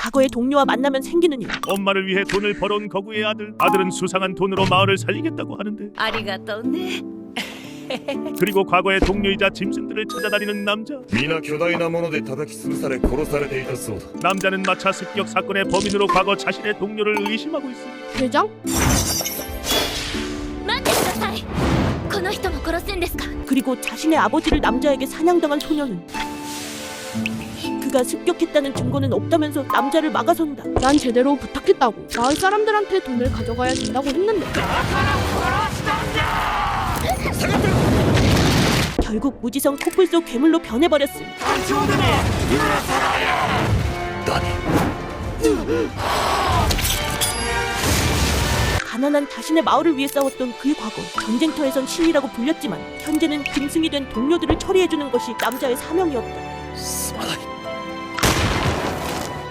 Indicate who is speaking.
Speaker 1: 과거의 동료와 만나면 생기는 일.
Speaker 2: 엄마를 위해 돈을 벌어온 거구의 아들은 수상한 돈으로 마을을 살리겠다고 하는데,
Speaker 3: ありがとうね。
Speaker 2: 그리고 과거의 동료이자 짐승들을 찾아다니는 남자.
Speaker 4: 皆巨大なもので叩き潰され殺されていたそうだ。
Speaker 2: 남자는 마차 습격 사건의 범인으로 과거 자신의 동료를 의심하고 있어.
Speaker 1: 대장?
Speaker 3: 待ってください。この人も殺すんですか？
Speaker 1: 그리고 자신의 아버지를 남자에게 사냥당한 소녀는 그가 습격했다는 증거는 없다면서 남자를 막아선다.
Speaker 5: 난 제대로 부탁했다고. 마을 사람들한테 돈을 가져가야 된다고 했는데.
Speaker 1: 결국 무지성 코뿔 속 괴물로 변해버렸음.
Speaker 4: 何？
Speaker 1: 가난한 자신의 마을을 위해 싸웠던 그의 과거. 전쟁터에선 신이라고 불렸지만 현재는 짐승이 된 동료들을 처리해주는 것이 남자의 사명이었다.